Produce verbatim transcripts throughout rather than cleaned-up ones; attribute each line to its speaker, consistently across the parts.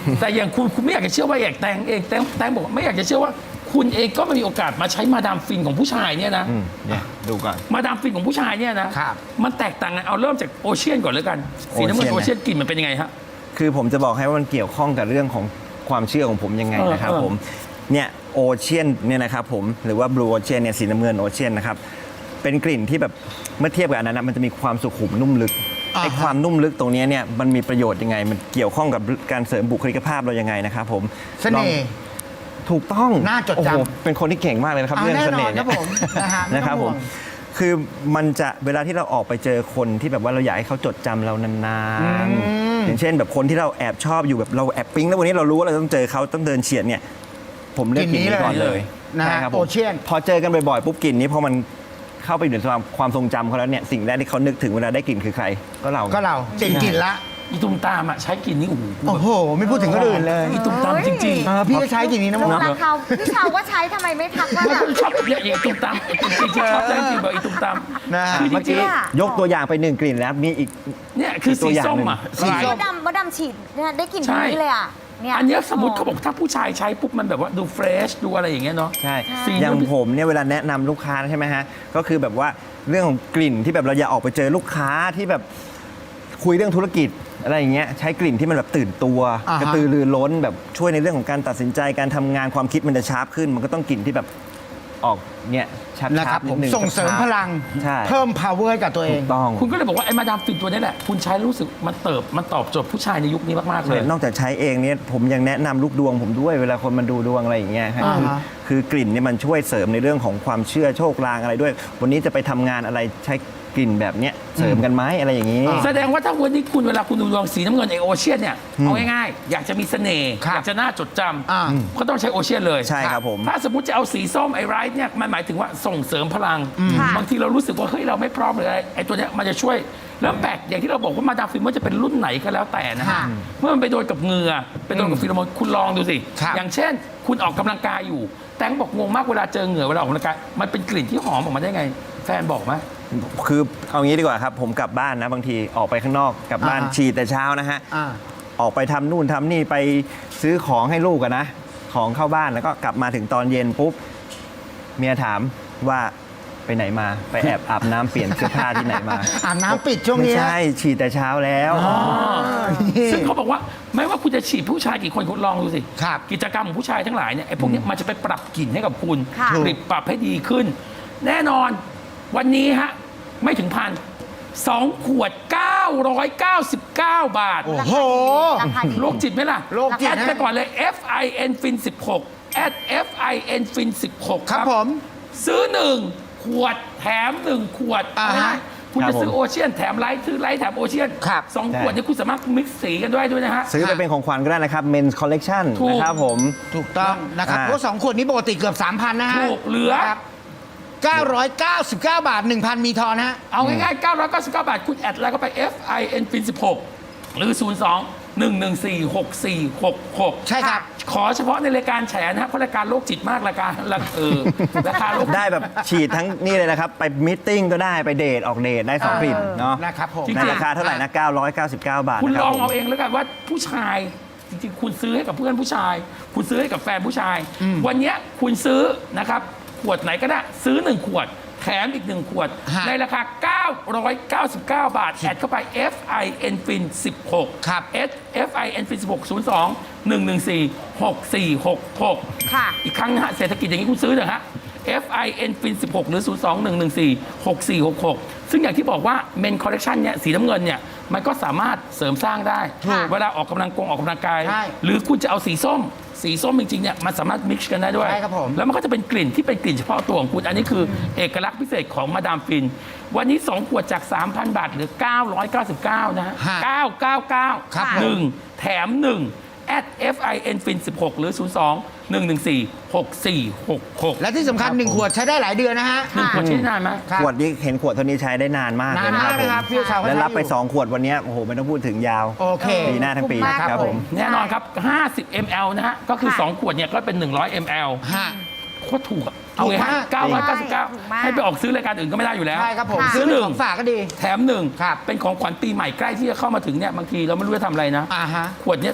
Speaker 1: แต่อย่างคุณคุณไม่อยากจะเชื่อว่าอยากแตงเองแตงแตงบอกไม่อยากจะเชื่อว่าคุณเองก็ไม่มีโอกาสมาใช้มาดามฟินของผู้ชายเนี่ยนะ
Speaker 2: อืมเนี่ยดูก่อน
Speaker 1: มาดามฟินของผู้ชายเนี่ยนะครับ มันแตกต่างกันเอาเริ่มจากโอเชียนก่อนเลยกันสีน้ำเงิน
Speaker 2: โอ
Speaker 1: โอ
Speaker 2: เชี
Speaker 1: เชี
Speaker 2: ย
Speaker 1: ย
Speaker 2: น
Speaker 1: นกลิ่นมันเป็นยังไงฮะ
Speaker 2: คือผมจะบอกให้ว่ามันเกี่ยวข้องกับเรื่องของความเชื่อของผมยังไง
Speaker 1: เออ
Speaker 2: นะครับ
Speaker 1: เออ
Speaker 2: ผมเนี่ยโอเชียนเนี่ยนะครับผมหรือว่าบลูโอเชียนเนี่ยสีน้ำเงินโอเชียนนะครับเป็นกลิ่นที่แบบเมื่อเทียบกับอันนั้นนะมันจะมีความสุขุมนุ่มลึก
Speaker 3: อ่าฮะ
Speaker 2: ไอ้ความนุ่มลึกตรงเนี้ยเนี่ยมันมีประโยชน์ยังไง มันเกี่ยวข้องกับการเสริมบุคลิกภาพเรายังไงนะครับผม
Speaker 3: เสน่ห์
Speaker 2: ลองถูกต้อง
Speaker 3: น่าจดจำ
Speaker 2: โอ้โหเป็นคนที่เก่งมากเลยนะครับ
Speaker 3: อ่า
Speaker 2: เรื่องเสน่ห์
Speaker 3: แน่นอนครับผมนะฮะไม่ต้อง
Speaker 2: นะครับผม
Speaker 3: ห่วง
Speaker 2: คือมันจะเวลาที่เราออกไปเจอคนที่แบบว่าเราอยากให้เขาจดจำเรานานๆอย่างเช่นแบบคนที่เราแอบชอบอยู่แบบเราแอบปิ๊งแล้ววันนี้เรารู้ว่าเราต้องเจอเขาต้องเดินเฉียดเนี่ยผมเลือกกลิ่นนี้ก่อนเลย
Speaker 3: นะฮะ
Speaker 2: ใช่ครับผม
Speaker 3: โอเชียน
Speaker 2: พอเจอกันบ่อยๆปุ๊บกลิ่นนี้พอมันเข้าไปอยู่ในความความทรงจำเขาแล้วเนี่ยสิ่งแรกที่เขานึกถึงเวลาได้กลิ่นคือใครก็เรา
Speaker 3: ก็เราเจ๋งกลิ่นละ
Speaker 1: อีตุมตามอ่ะใช้กลิ่นนี้โอ้โห
Speaker 3: โอ้โห ไม่พูดถึงคนอื่นเลย
Speaker 1: อีตุมตามจริง
Speaker 3: เออพี่ก็ใช้กลิ่นนี้นะ
Speaker 4: ลู
Speaker 3: มั้
Speaker 4: ก
Speaker 3: ง
Speaker 4: รักเขาพี่ชาวก็ใช้ทำไมไม่ทักว่า
Speaker 1: ๆไม่
Speaker 4: แบบ
Speaker 1: คนชอบเนี่ยอีตุมตามจริงๆชอบจริงๆบอกอีตุมตาม
Speaker 3: นะฮะ
Speaker 1: คือจ
Speaker 2: เมื่อ
Speaker 1: ริ
Speaker 2: กี้
Speaker 1: ง
Speaker 4: อะ
Speaker 2: ยกตัวอย่างไปหนึ่งกลิ่นแล้วมีอีก
Speaker 1: ๆเนี่ยคือ
Speaker 2: ตั
Speaker 1: สี
Speaker 2: วอย่าง
Speaker 1: ส้ม
Speaker 2: หนึ่ง
Speaker 1: อ่ะ
Speaker 3: สีส้
Speaker 4: มดดำมดดำฉีดเนี่ยได้กลิ่น
Speaker 1: ใช่
Speaker 4: นี้เลยอ่ะเนี่ย
Speaker 1: อันเนี้ยสมมติเขาบอกถ้าผู้ชายใช้ปุ๊บมันแบบว่าดูเฟรชดูอะไรอย่างเงี้ยเนาะ
Speaker 2: ใช่
Speaker 1: สี
Speaker 2: อย่าง
Speaker 1: มัน
Speaker 2: ผมเนี่ยเวลาแนะนำลูกค้าใช่ไหมฮะ ก็คือแบบว่าเรื่องของกลิ่นที่แบบเราอยากออกไปเจอลูกค้าที่แบบคุยเรื่องธุรกิจอะไรอย่างเงี้ยใช้กลิ่นที่มันแบบตื่นตัว
Speaker 3: อ่าฮะ
Speaker 2: กระตือรือร้นแบบช่วยในเรื่องของการตัดสินใจการทำงานความคิดมันจะชาร์ปขึ้น มันก็ต้องกลิ่นที่แบบออกเนี่ยชัด
Speaker 3: นะครับ
Speaker 2: ๆนิ
Speaker 3: ผ
Speaker 2: ด
Speaker 3: ม
Speaker 2: นึง
Speaker 3: ส่งเสริมพลัง
Speaker 2: ใช่
Speaker 3: เพิ่ม power ให้กับตัวเอ
Speaker 2: ถู
Speaker 3: ง
Speaker 2: กต้อง
Speaker 1: คุณก็เลยบอกว่าไอ้มาดามฟินตัวนี้แหละคุณใช้แล้วรู้สึกมันเติบมันตอบโจทย์ผู้ชายในยุคนี้มากๆเลย
Speaker 2: นอกจากใช้เองเนี่ยผมยังแนะนำลูกดวงผมด้วยเวลาคนมาดูดวงอะไรอย่างเงี้ยฮะ
Speaker 3: อ่า
Speaker 2: คือ
Speaker 3: ฮะ
Speaker 2: คือกลิ่นเนี่ยมันช่วยเสริมในเรื่องของความเชื่อโชคลางอะไรด้วย วันนี้จะไปทำงานอะไรใช้กลิ่นแบบเนี้ยเสริมกันไหมอะไรอย่างงี้
Speaker 1: แสดงว่าถ้าวันนี้คุณเวลาคุณดูดวงสีน้ำเงินไอโอเชียนเนี่ยเอาง่ายๆอยากจะมีเสน่ห์
Speaker 3: ครับ
Speaker 1: อยากจะน่าจดจ
Speaker 3: อ่า
Speaker 1: ำก็ต้องใช้โอเชียนเลย
Speaker 2: ใช่ครับผม
Speaker 1: ถ้าสมมติจะเอาสีส้มไอไรท์เนี่ยมันหมายถึงว่าส่งเสริมพลัง
Speaker 4: ค่ะ
Speaker 1: บางทีเรารู้สึกว่าเฮ้ยเราไม่พร้อมเลยไอตัวเนี้ยมันจะช่วยแล้วแปลกอย่างที่เราบอกว่ามาดามฟินว่าจะเป็นรุ่นไหนก็แล้วแต่นะฮะ
Speaker 3: ค่ะ
Speaker 1: เมื่อมันไปโดนกับเหงื่อไปโดนกับฟิโรโมนคุณลองดูสิ
Speaker 3: ครับ
Speaker 1: อย่างเช่น คุณออกกำลังกายอยู่ แตงบอกงงมากเวลาเจอเหงื่อเวลาออกกำลังกายมันเป็นกลิ่นที่หอมออกมาได้ไง แฟนบอกไหม
Speaker 2: คือเอางี้ดีกว่าครับ ผมกลับบ้านนะบางทีออกไปข้างนอกกลับบ้าน
Speaker 3: อ่าฮะ
Speaker 2: ฉีดแต่เช้านะฮะ
Speaker 3: อ่า
Speaker 2: ออกไปทำนู่นทำนี่ไปซื้อของให้ลูกอะนะ ของเข้าบ้านแล้วก็กลับมาถึงตอนเย็นปุ๊บ เมียถามว่าไปไหนมาไปแอบอาบน้ำเปลี่ยนเสื้อผ้าที่ไหนมา
Speaker 3: อาบน้ำปิดช่วง
Speaker 2: ไม่
Speaker 3: นี้
Speaker 2: ใช่ฉีดแต่เช้าแล้ว
Speaker 1: ซึ่งเขาบอกว่าไม่ว่าคุณจะฉีดผู้ชายกี่คนคุณลองดูสิ
Speaker 3: ครับ
Speaker 1: กิจกรรมของผู้ชายทั้งหลายเนี่ยไอ้พวกเนี้ยมันจะไปปรับกลิ่นให้กับคุณ
Speaker 4: ค่ะ
Speaker 1: ปรับปรับให้ดีขึ้น แน่นอนวันนี้ฮะไม่ถึงพันสองขวด เก้าร้อยเก้าสิบเก้า บาท
Speaker 3: โอ้โห
Speaker 4: ราคาดี
Speaker 1: โรคจิตไหมล่ะ
Speaker 3: โรคจิต
Speaker 1: แอด
Speaker 3: นะ
Speaker 1: ไปก่อนเลย F I N Fin สิบหก แอด F I N Fin สิบหก
Speaker 3: ครับผม
Speaker 1: ซื้อหนึ่งขวดแถมหนึ่งขวด
Speaker 3: อ่าฮะ
Speaker 1: คุณ
Speaker 2: ครั
Speaker 1: จะ
Speaker 2: บผม
Speaker 1: ซื้อโอเชียนแถมไลท์ซื้อไลท์แถมโอเชียน
Speaker 3: ครับ
Speaker 1: สอง
Speaker 2: ใช่
Speaker 1: ขวดเนี่ยคุณสามารถมิกซ์สีกันด้วยด้วยนะฮะ
Speaker 2: ซื้อไปเป็นของขวัญก็ได้นะครับ Men's Collection
Speaker 1: ถูก
Speaker 2: นะครับผม
Speaker 3: ถูกต้องนะครับ
Speaker 2: อ่า
Speaker 3: เพราะสองขวดนี้ปกติเกือบ สามพัน นะฮะ
Speaker 1: ถูกเหลือ
Speaker 3: ครับเก้าร้อยเก้าสิบเก้า บาท หนึ่งพัน มีทอนฮะ
Speaker 1: เอาง่ายๆ เก้าร้อยเก้าสิบเก้า บาท คุณแอดไลน์ก็ไป F I N Fin สิบหก หรือ ศูนย์ สอง หนึ่ง หนึ่ง สี่ หก สี่ หก หก
Speaker 3: ใช่ครับ
Speaker 1: ขอเฉพาะในรายการแฉนะฮะเพราะรายการโรคจิตมากรายการละเออราคาโรค
Speaker 2: ได้แบบฉีดทั้งนี่เลยนะครับ ไปมิทติ้งก็ได้ไปเดทออกเดทได้สอง
Speaker 3: เออ
Speaker 2: กลิ่นเนาะ
Speaker 3: นะครับผม
Speaker 1: จริง
Speaker 2: ในราคาเท่าไหร่นะ เก้าร้อยเก้าสิบเก้า บาท
Speaker 1: คุณ
Speaker 2: นะค
Speaker 1: ล
Speaker 2: รับ
Speaker 1: อง
Speaker 2: ผม
Speaker 1: เอาเองแล้วกันว่าผู้ชายจริงๆ คุณซื้อให้กับเพื่อนผู้ชาย คุณซื้อให้กับแฟนผู้ชาย วันเนี้ยคุณซื้อนะครับขวดไหนก็ได้ซื้อหนึ่งขวดแถมอีกหนึ่งขวด
Speaker 3: ฮะ
Speaker 1: ในราคา เก้าร้อยเก้าสิบเก้า บาท แอดเข้าไป F I N Fin สิบหก
Speaker 3: ครับ
Speaker 1: S F I N Fin สิบหก ศูนย์ สอง หนึ่ง หนึ่ง สี่ หก สี่ หก หก
Speaker 4: ค่ะ
Speaker 1: อีกครั้งนะฮะเศรษฐกิจอย่างนี้คุณซื้อเถอะฮะ F I N Fin สิบหก หรือ ศูนย์ สอง หนึ่ง หนึ่ง สี่ หก สี่ หก หก ซึ่งอย่างที่บอกว่า Men Collection เนี่ยสีน้ำเงินเนี่ยมันก็สามารถเสริมสร้างได้
Speaker 4: ค่ะ
Speaker 1: เวลาออกกำลังกงออกกำลังกาย
Speaker 3: ใช่
Speaker 1: หรือคุณจะเอาสีส้ม สีส้มจริงๆเนี่ยมันสามารถมิกซ์กันได้ด้วย
Speaker 3: ใช่ครับผม
Speaker 1: แล้วมันก็จะเป็นกลิ่นที่เป็นกลิ่นเฉพาะตัวของคุณ อันนี้คือเอกลักษณ์พิเศษของมาดามฟิน วันนี้ สอง ขวดจาก สามพัน บาทเหลือ เก้าร้อยเก้าสิบเก้า นะฮะ
Speaker 3: ฮะ
Speaker 1: เก้าเก้าเก้า
Speaker 3: ครับผม
Speaker 1: หนึ่งแถมหนึ่ง at F I N Fin สิบหก หรือ ศูนย์ สอง หนึ่ง หนึ่ง สี่ หก สี่ หก หก
Speaker 3: และที่สำคัญหนึ่งขวดใช้ได้หลายเดือนนะฮะ
Speaker 1: หนึ่งขวดใช้ได้นานไหม
Speaker 3: ครับ
Speaker 2: ขวดนี้เห็นขวดเท่านี้ใช้ได้นานมากเลยนะค
Speaker 3: นาน
Speaker 2: รับ
Speaker 3: มากนะครับ
Speaker 2: ผม
Speaker 3: พี่ชาวก็
Speaker 2: และ
Speaker 3: ใช้
Speaker 2: รับไป
Speaker 3: อยู่
Speaker 2: สองขวดวันนี้โอ้โหไม่ต้องพูดถึงยาว
Speaker 3: โอเค
Speaker 2: ปีหน้าทั้งปี
Speaker 4: คุ้มมาก
Speaker 2: ครับผม
Speaker 1: แน่นอนครับ ห้าสิบ มิลลิลิตร นะฮะ ก็คือ
Speaker 4: ค่ะ
Speaker 1: สอง ขวดเนี่ยก็เป็น หนึ่งร้อย มิลลิลิตร
Speaker 3: ฮะ
Speaker 1: โคตรถูกอะเอาไง
Speaker 3: ถูก
Speaker 1: ฮะ
Speaker 3: มาก
Speaker 1: เก้าร้อยเก้าสิบเก้า
Speaker 4: ถูกมาก
Speaker 1: ให้ไปออกซื้อรายการอื่นก็ไม่ได้อยู่แล้ว
Speaker 3: ใช่ครับผม
Speaker 4: ค่ะ
Speaker 3: ซื้อเป็น
Speaker 1: ซื้อหนึ่
Speaker 3: ข
Speaker 1: ง
Speaker 3: องฝากก็ดี
Speaker 1: แถมหนึ่ง
Speaker 3: ครับ
Speaker 1: เป็นของขวัญปีใหม่ใกล้ที่จะเข้ามาถึงเนี่ยบางทีเราไม่รู้จะทำอะไรนะ
Speaker 3: อ่าฮะ
Speaker 1: ขวดเนี้ยถ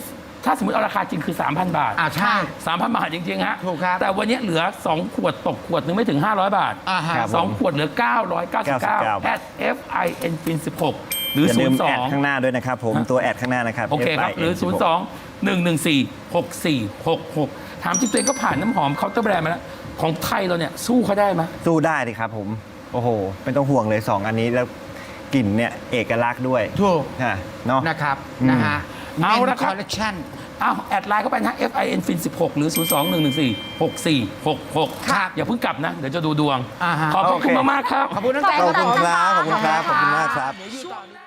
Speaker 1: ถ้าสมมติเอาราคาจริงคือ สามพัน บาท
Speaker 3: อ่าใช่
Speaker 1: สามพัน บาทจริงๆฮะ
Speaker 3: ถูกครับ
Speaker 1: แต่วันนี้เหลือ สอง ขวดตกขวดนึงไม่ถึง ห้าร้อย บาท
Speaker 3: อ่าฮะ
Speaker 2: ครับ
Speaker 1: สองขวดเหลือ เก้าร้อยเก้าสิบเก้า
Speaker 2: เก้าสิบเก้า
Speaker 1: แอด เอฟ ไอ เอ็น ฟิน สิบหก หรือ
Speaker 2: อย่าลืมแอด
Speaker 1: ศูนย์ สอง
Speaker 2: ข้างหน้าด้วยนะครับผม
Speaker 1: ฮะ
Speaker 2: ตัวแอดข้างหน้านะครับ
Speaker 1: โอเคครับ หรือ ศูนย์ สอง หนึ่ง หนึ่ง สี่ หก สี่ หก หก ถามจริงตัวเองก็ผ่านน้ำหอมเคาน์เตอร์แบรนด์มาแล้ว ของไทยเราเนี่ย สู้เขาได้ไหม
Speaker 2: สู้ได้ดิครับผม โอ้โหไม่ต้องห่วงเลยสองอันนี้แล้วกลิ่นเนี่ยเอกลักษณ์ด้วย
Speaker 3: ถูก
Speaker 2: ค่ะเนาะ
Speaker 3: นะครับ
Speaker 2: อืม
Speaker 3: นะฮะ
Speaker 1: เอาละครับ
Speaker 3: คอลเลคชั่น
Speaker 1: อ้าวแอดไลน์เข้าไปนะ เอฟ ไอ เอ็น ฟิน สิบหก หรือ ศูนย์ สอง หนึ่ง หนึ่ง สี่ หก สี่ หก หก
Speaker 3: ครับ
Speaker 1: อย่าเพิ่งกลับนะ เดี๋ยวจะดูดวง
Speaker 3: อ่าฮะ
Speaker 1: ขอบพระ
Speaker 2: โอเค
Speaker 1: คุณมากๆครับ
Speaker 3: ขอบคุณน้องแตง
Speaker 2: ขอบคุณครับ
Speaker 3: ผม
Speaker 2: ขอบคุณครับ ขอบคุณมากครับ
Speaker 3: เดี๋ยวอยู่ต่อ